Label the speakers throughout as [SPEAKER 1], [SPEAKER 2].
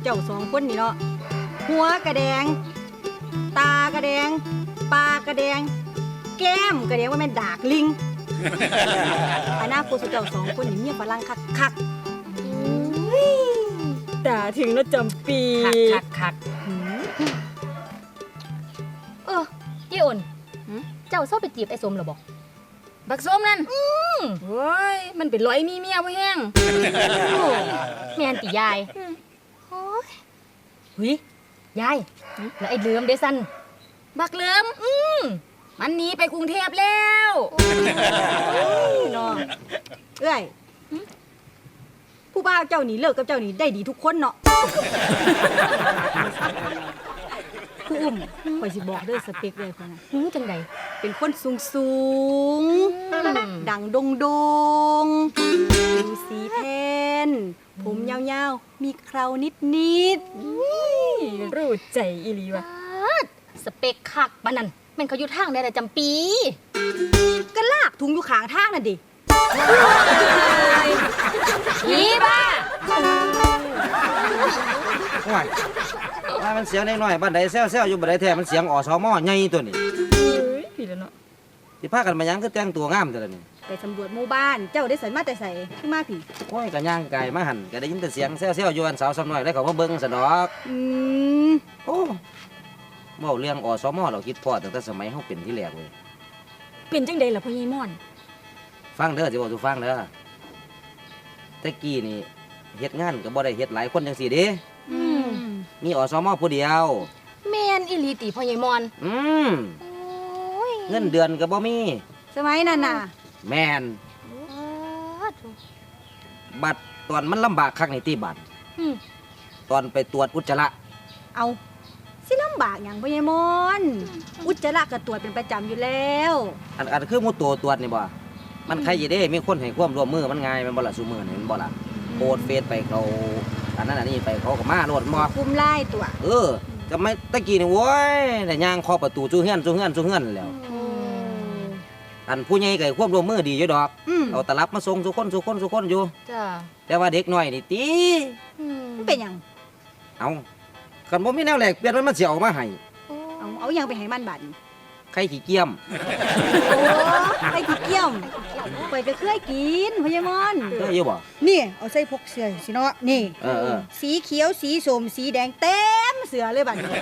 [SPEAKER 1] จ้าสองคนนี่เนาะหัวกระแดงตากระแดงปากกระแดงแก้มกระแดงว่าแม่นดากลิงอนาคตเจ้าสองคนนี่เมียฝรั่งคักๆแต่ถึงแล้วจำปี
[SPEAKER 2] คักเย่อ่นเจ้าเศร้าไปจีบไอ้สมหรอบอกบักสมนั่นเฮ้ยมันเป็นร้อยมีเมียบ่แห้งแม่นติยายโอ้ยหุยยายแล้วไอ้เหลือมเดซันบักเหลือมมันหนีไปกรุงเทพแล้ว
[SPEAKER 1] เนาะเอ้ยผู้บ่าวเจ้านี่เลิกกับเจ้านี่ได้ดีทุกคนเนาะผู้อุ้มข่อยสิบอกเด้อสเปคเลยคนน่ะ
[SPEAKER 2] จังใด
[SPEAKER 1] เป็นคนสูงดังโดงผิวสีแทนผมยาวๆมีเครานิด
[SPEAKER 2] รู้ใจอีหลีวะสเปคคักปานนั้นแม่นเขาอยู่ทางได้แต่จำปี
[SPEAKER 1] ก็ลากถุงอยู่ข้างทางนั่นดิ
[SPEAKER 2] อีบ้า
[SPEAKER 3] ว่ามันเสียงน้อยๆบ้านใดแซวๆอยู่บ้านใดแท้มันเสียงอสมใหญ่ตัวนี้
[SPEAKER 2] พี่แล้วเนาะ
[SPEAKER 3] สิพากันมายังคือแต่งตัวงามแต่ละนี่
[SPEAKER 1] ไปสำรวจหมู่บ้านเจ้าได้ใส่มาแต่ใส่ขึ้นมาพี่
[SPEAKER 3] โอ้ยก็ย่างไก่มาหั่นก็ได้ยินแต่เสียงแซวๆอยู่อันสาวซ้ำน้อยได้เขามาเบิ่งซะดอกโอ้เว้าเรื่องอสมเราคิดพอตั้งแต่สมัยเฮาเป็นที่แรกเว้ย
[SPEAKER 2] เป็นจังได๋ล่ะพ่อใหญ่ม่อน
[SPEAKER 3] ฟังเด้อสิเว้าสู่ฟังเด้อแต่กี้นี่เฮ็ดงานก็บ่ได้เฮ็ดหลายคนจังซี่เด้มีอสมผู้เดียว
[SPEAKER 2] แม่นอีหลีติพ่อใหญ่ม่อน
[SPEAKER 3] เงินเดือนก็บ่มี
[SPEAKER 1] สมัยนั้นน่ะ
[SPEAKER 3] แม่นบัดตอนมันลำบากคักนี่ติบัดตอนไปตรวจอุจจาระ
[SPEAKER 1] เอาสิลำบากหยังพ่อใหญ่มอนอุจจาระก็ตรวจเป็นประจำอยู่แล้ว
[SPEAKER 3] อันคือหมู่ตัวตรวจนี่บ่มันใครสิเด้มีคนให้ความร่วมมือมันง่ายแม่นบ่ล่ะซุมื้อนี่แม่นบ่ล่ะโพสเฟซไปเขาอันนั้นอันนี้ไปเขาก็มาโลดบ่
[SPEAKER 1] คุมไล่ตัว
[SPEAKER 3] ก็ไม่ตะกี้นี่โว้ยแต่ย่างเคาะประตูจูเฮือนแล้วอันผู้ใหญ่ก็ควบรวมมือดีอยู่ดอกเอาตลับมาส่งสุคนอยู่
[SPEAKER 2] จ้า
[SPEAKER 3] แต่ว่าเด็กน้อยนี่ติ
[SPEAKER 1] มันเป็นหยัง
[SPEAKER 3] เอาคันบ่มีแนวแลกเปลี่ยนมันสิเอามาให้
[SPEAKER 1] เอาหยังไปให้มันบัด
[SPEAKER 3] ไข่ขี้เกียม
[SPEAKER 1] ไข่ขี้เกียมไปก็เคยกินพ่อใหญ่มอน
[SPEAKER 3] เคยอยู่บ่
[SPEAKER 1] นี่เอาใส่พกเสื้อสิเนาะนี่สีเขียวสีส้มสีแดงเต็มเสื้อเลยบัดนี้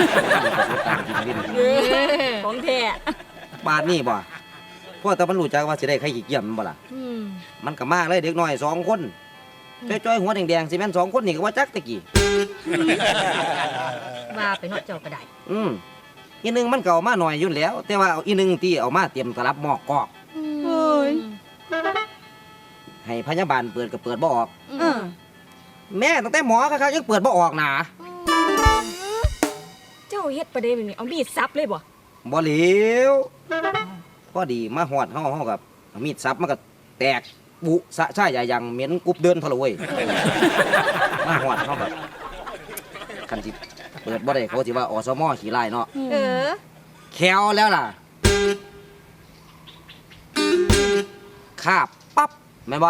[SPEAKER 2] ของแท้
[SPEAKER 3] บาดนี้บ่พอแต่มันรู้จักว่าสิได้ไข่ขี้เกียมมันบ่ล่ะมันก็มากเลยเด็กน้อย2คนจ้อยๆหัวแดงๆสิแม่น2คนนี่ก็ว่าจักตะกี้
[SPEAKER 2] ว่าไปเนาะเจ้าก็ได้
[SPEAKER 3] อีนึงมันเก่ามาหน่อยอยู่แล้วแต่ว่าอีนึงที่เอามาเตรียมตลับหมอกกอกให้พยาบาลเปิดก็เปิดบ่ออกแม่ตั้งแต่หมอเขายังเปิดบ่ออกหนา
[SPEAKER 2] เจ้าเฮ็ดประเด็นแบบนี้เอามีดซับเลยบ่
[SPEAKER 3] เหลวพอดีมาหอดเฮากับมีดซับมันก็แตกบุสะช่ายอย่างเหม็นกุบเดินทะลุเว้ยมาหอดเฮากับคันจิเปิดบ่ได้เขาสิว่าอสมขี้ไล่เนาะแควแล้วล่ะคาบปั๊บแม่นบ่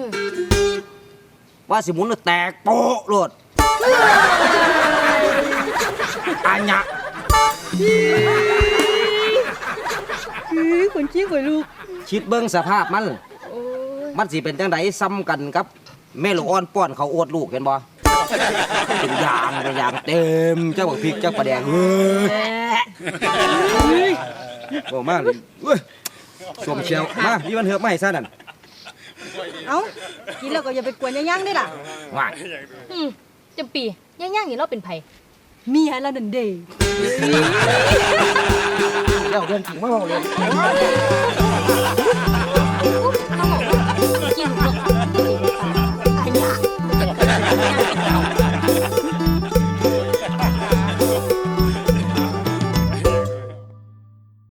[SPEAKER 3] ว่าสิหมุนแตกโป๊ะโลดอัญญะ
[SPEAKER 1] คนขี้คนลูก
[SPEAKER 3] คิดเบิ่งสภาพมันสิเป็นจังไดซ้ำกันกับแม่ลูกอ่อนป้อนเขาโอดลูกเห็นบ่เป็นอย่างเต็มเจ้าบักพริกเจ้าปลาแดงโอ้มากเลยสมเชียวมาพี่วันเหือบไม่ซะนั่น
[SPEAKER 1] เอ้ากินแล้วก็อย่าไปกวนย่างๆได้ล่ะ
[SPEAKER 3] ว่า
[SPEAKER 2] จำปีย่างๆนี่เราเป็นไผ
[SPEAKER 1] เมียแล้วนั่นเด้
[SPEAKER 3] เรื่องจริงไม่บอกเลย
[SPEAKER 2] กิน